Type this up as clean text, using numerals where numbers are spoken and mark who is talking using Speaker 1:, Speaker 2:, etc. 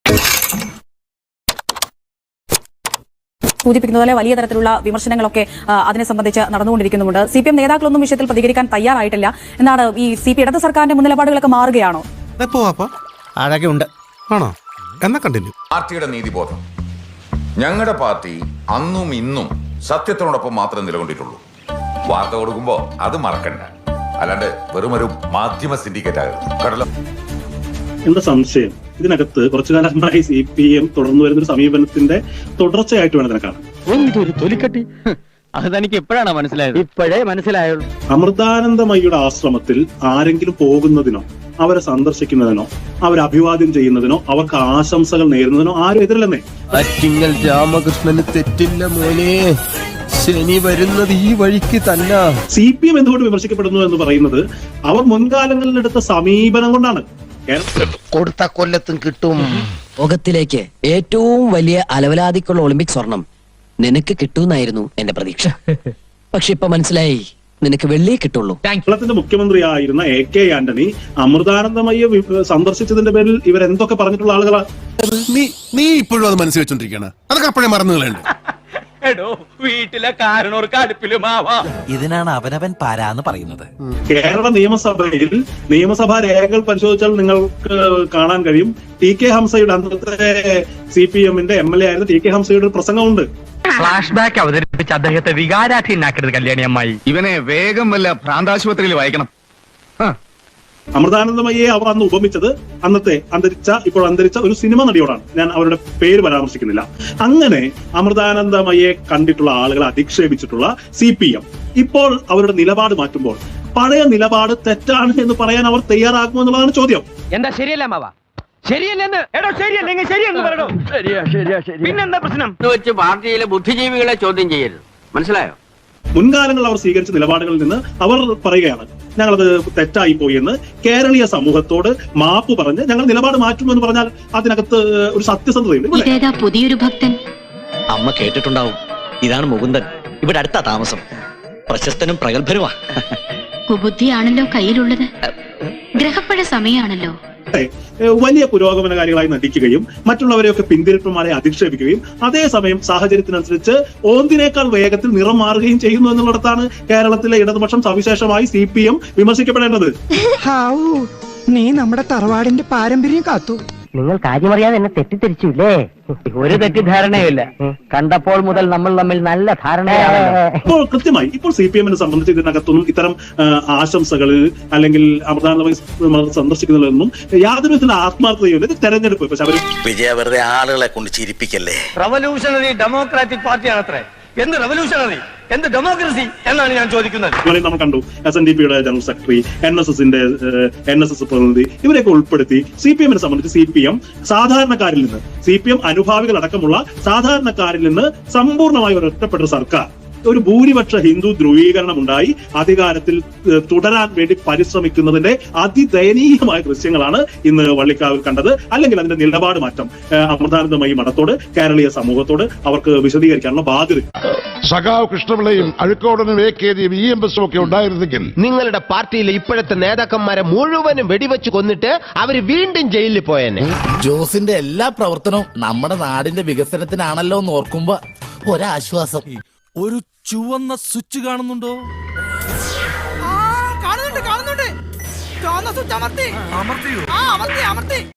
Speaker 1: സൂചിപ്പിക്കുന്നത് വലിയ തരത്തിലുള്ള വിമർശനങ്ങളൊക്കെ അതിനെ സംബന്ധിച്ച് നടന്നുകൊണ്ടിരിക്കുന്നുണ്ട്. CPM നേതാക്കളൊന്നും വിഷയത്തിൽ പ്രതികരിക്കാൻ തയ്യാറായിട്ടില്ല എന്നാണ്. ഈ CPM ഇടത് സർക്കാരിന്റെ മുൻനിലപാടുകളൊക്കെ മാറുകയാണോ?
Speaker 2: ആണോ? എന്നാ കണ്ടിന്യൂ.
Speaker 3: പാർട്ടിയുടെ നീതിബോധം. ഞങ്ങളുടെ പാർട്ടി അന്നും ഇന്നും സത്യത്തിനോടൊപ്പം മാത്രമേ നിലകൊണ്ടിട്ടുള്ളൂ. വാർത്ത കൊടുക്കുമ്പോ അത് മറക്കണ്ട. അല്ലാണ്ട് വെറുമൊരു മാധ്യമ സിൻഡിക്കേറ്റ് ആകരുത്.
Speaker 4: എന്താ സംശയം? ഇതിനകത്ത് കുറച്ചു കാലമായി CPM തുടർന്നു വരുന്നൊരു സമീപനത്തിന്റെ തുടർച്ചയായിട്ട് വേണം ഇതിനെ കാണാൻ.
Speaker 5: തൊലിക്കട്ടി അത് തനിക്ക് എപ്പോഴാണ് മനസ്സിലായത്? ഇപ്പോഴേ മനസ്സിലായുള്ളൂ.
Speaker 4: അമൃതാനന്ദമയിയുടെ ആശ്രമത്തിൽ ആരെങ്കിലും പോകുന്നതിനോ അവരെ സന്ദർശിക്കുന്നതിനോ അവരെ അഭിവാദ്യം ചെയ്യുന്നതിനോ അവർക്ക് ആശംസകൾ നേരുന്നതിനോ ആരും എതിരല്ലെന്നേ.
Speaker 6: അറ്റിങ്ങൽ രാമകൃഷ്ണന് തെറ്റില്ല മോനെ, ശനി വരുന്നത് ഈ വഴിക്ക് തന്നെ.
Speaker 4: CPM എന്തുകൊണ്ട് വിമർശിക്കപ്പെടുന്നു എന്ന് പറയുന്നത് അവർ മുൻകാലങ്ങളിൽ എടുത്ത സമീപനം കൊണ്ടാണ്.
Speaker 6: കൊടുത്ത കൊല്ലത്തും കിട്ടും.
Speaker 7: ലോകത്തിലേക്ക് ഏറ്റവും വലിയ അലവലാതിക്കുള്ള ഒളിമ്പിക് സ്വർണം നിനക്ക് കിട്ടുമെന്നായിരുന്നു എന്റെ പ്രതീക്ഷ. പക്ഷെ ഇപ്പൊ മനസ്സിലായി, നിനക്ക് വെള്ളിയേ കിട്ടുള്ളൂ.
Speaker 4: കേരളത്തിന്റെ മുഖ്യമന്ത്രിയായിരുന്ന AK ആന്റണി അമൃതാനന്ദമയെ സന്ദർശിച്ചതിന്റെ പേരിൽ ഇവരെന്തൊക്കെ പറഞ്ഞിട്ടുള്ള ആളുകളാണ്.
Speaker 2: നീ ഇപ്പോഴും അത് മനസ്സിൽ വെച്ചോണ്ടിരിക്കുകയാണ്. അതൊക്കെ അപ്പോഴേ മറന്നുകളുണ്ട്.
Speaker 5: വീട്ടിലെ കാരണവർക്ക് അടുപ്പിലുമാവാ.
Speaker 8: ഇതിനാണ് അവനവൻ പാരാന്ന് പറയുന്നത്.
Speaker 4: കേരള നിയമസഭയിൽ നിയമസഭാ രേഖകൾ പരിശോധിച്ചാൽ നിങ്ങൾക്ക് കാണാൻ കഴിയും. TK ഹംസയുടെ അന്നത്തെ CPMന്റെ MLA ആയിരുന്ന TK ഹംസയുടെ ഒരു പ്രസംഗമുണ്ട്.
Speaker 5: ഫ്ലാഷ് ബാക്ക് അവതരിപ്പിച്ച് അദ്ദേഹത്തെ വികാരാധീനാക്കരുത് കല്യാണി അമ്മായി. ഇവനെ വേഗം വല്ല ഭ്രാന്താശുപത്രിയിൽ വായിക്കണം.
Speaker 4: അമൃതാനന്ദമയെ അവർ അന്ന് ഉപമിച്ചത് ഇപ്പോൾ അന്തരിച്ച ഒരു സിനിമ നടിയോടാണ്. ഞാൻ അവരുടെ പേര് പരാമർശിക്കുന്നില്ല. അങ്ങനെ അമൃതാനന്ദമയെ കണ്ടിട്ടുള്ള ആളുകളെ അധിക്ഷേപിച്ചിട്ടുള്ള CPM ഇപ്പോൾ അവരുടെ നിലപാട് മാറ്റുമ്പോൾ പഴയ നിലപാട് തെറ്റാണ് എന്ന് പറയാൻ അവർ തയ്യാറാകുമോ എന്നുള്ളതാണ് ചോദ്യം.
Speaker 5: എന്താ ശരിയല്ല മാവാ? ശരിയല്ലെന്ന് എടോ, ശരിയല്ലെങ്കിൽ ശരിയെന്ന് പറയണോ? ശരിയാ. പിന്നെന്താ പ്രശ്നം? വെച്ച് പാർട്ടിയിലെ ബുദ്ധിജീവികളെ ചോദ്യം ചെയ്യരുത്, മനസ്സിലായോ?
Speaker 4: മുൻകാലങ്ങളിൽ അവർ സ്വീകരിച്ച നിലപാടുകളിൽ നിന്ന് അവർ പറയുകയാണ്, ഞങ്ങളത് തെറ്റായി പോയി എന്ന് കേരളീയ സമൂഹത്തോട് മാപ്പ് പറഞ്ഞ് ഞങ്ങൾ നിലപാട് മാറ്റുമെന്ന് പറഞ്ഞാൽ അതിനകത്ത് ഒരു സത്യസന്ധതയുണ്ട്.
Speaker 7: പുതിയൊരു ഭക്തൻ അമ്മ കേട്ടിട്ടുണ്ടാവും. ഇതാണ് മുകുന്ദൻ. ഇവിടെ അടുത്ത താമസം. പ്രശസ്തനും പ്രഗത്ഭനുമാ.
Speaker 9: കുബുദ്ധിയാണല്ലോ കയ്യിലുള്ളത്. ഗ്രഹപ്പഴ സമയമാണല്ലോ.
Speaker 4: വലിയ പുരോഗമനകാരികളായി നടിക്കുകയും മറ്റുള്ളവരെയൊക്കെ പിന്തിരിപ്പന്മാരെ അധിക്ഷേപിക്കുകയും അതേസമയം സാഹചര്യത്തിനനുസരിച്ച് ഓന്തിനേക്കാൾ വേഗത്തിൽ നിറം മാറുകയും ചെയ്യുന്നു എന്നുള്ളിടത്താണ് കേരളത്തിലെ ഇടതുപക്ഷം സവിശേഷമായി CPM വിമർശിക്കപ്പെടേണ്ടത്.
Speaker 10: നീ നമ്മുടെ തറവാടിന്റെ പാരമ്പര്യം കാത്തു.
Speaker 5: നിങ്ങൾ കാര്യമറിയാതെ എന്നെ തെറ്റിദ്ധരിച്ചില്ലേ? ഒരു തെറ്റിദ്ധാരണയുമില്ല. കണ്ടപ്പോൾ മുതൽ നമ്മൾ തമ്മിൽ നല്ല ധാരണയാണ്.
Speaker 4: ഇപ്പോൾ CPMനെ സംബന്ധിച്ച് ഇതിനകത്തൊന്നും ഇത്തരം ആശംസകളിൽ അല്ലെങ്കിൽ അമൃതാനന്ദമയി സന്ദർശിക്കുന്നതിലൊന്നും യാതൊരു വിധത്തിലുള്ള ആത്മാർത്ഥതയും ഇത് തെരഞ്ഞെടുപ്പ്. പക്ഷെ അവർ
Speaker 8: വിജയ വെറുതെ ആളുകളെ കൊണ്ട് ചിരിപ്പിക്കല്ലേ.
Speaker 5: റവല്യൂഷണറി ഡെമോക്രാറ്റിക് പാർട്ടിയാണ് അത്രേ. എന്ത് റവല്യൂഷണറി, എന്ത് ഡെമോക്രസി എന്നാണ് ഞാൻ ചോദിക്കുന്നത്.
Speaker 4: നമ്മൾ കണ്ടു SNDPയുടെ ജനറൽ സെക്രട്ടറി, NSS പ്രതിനിധി ഇവരെയൊക്കെ ഉൾപ്പെടുത്തി CPMനെ സംബന്ധിച്ച് CPM സാധാരണക്കാരിൽ നിന്ന്, CPM അനുഭാവികൾ അടക്കമുള്ള സാധാരണക്കാരിൽ നിന്ന് സമ്പൂർണ്ണമായി ഒറ്റപ്പെട്ട സർക്കാർ ഒരു ഭൂരിപക്ഷ ഹിന്ദു ധ്രുവീകരണം ഉണ്ടായി അധികാരത്തിൽ തുടരാൻ വേണ്ടി പരിശ്രമിക്കുന്നതിന്റെ അതിദയനീയമായ ദൃശ്യങ്ങളാണ് ഇന്ന് വള്ളിക്കാവിൽ കണ്ടത്. അല്ലെങ്കിൽ അതിന്റെ നിലപാട് മാറ്റം അമൃതാനന്ദമയി മഠത്തോട് കേരളീയ സമൂഹത്തോട് അവർക്ക് വിശദീകരിക്കാനുള്ള ബാധ്യത.
Speaker 2: സഖാവ് കൃഷ്ണപിള്ളയും അഴുക്കോടനും AKജിയും EMS ഒക്കെ ഉണ്ടായിരുന്നെങ്കിൽ
Speaker 6: നിങ്ങളുടെ പാർട്ടിയിലെ ഇപ്പോഴത്തെ നേതാക്കന്മാരെ മുഴുവനും വെടിവെച്ച് കൊന്നിട്ട് അവര് വീണ്ടും ജയിലിൽ പോയെന്നെ.
Speaker 8: ജോസിന്റെ എല്ലാ പ്രവർത്തനവും നമ്മുടെ നാടിന്റെ വികസനത്തിനാണല്ലോ എന്ന് ഓർക്കുമ്പോ ഒരാശ്വാസം. ഒരു ചുവന്ന സ്വിച്ച് കാണുന്നുണ്ടോ?
Speaker 10: കാണുന്നുണ്ട്. ചുവന്ന സ്വിച്ച് അമർത്തി.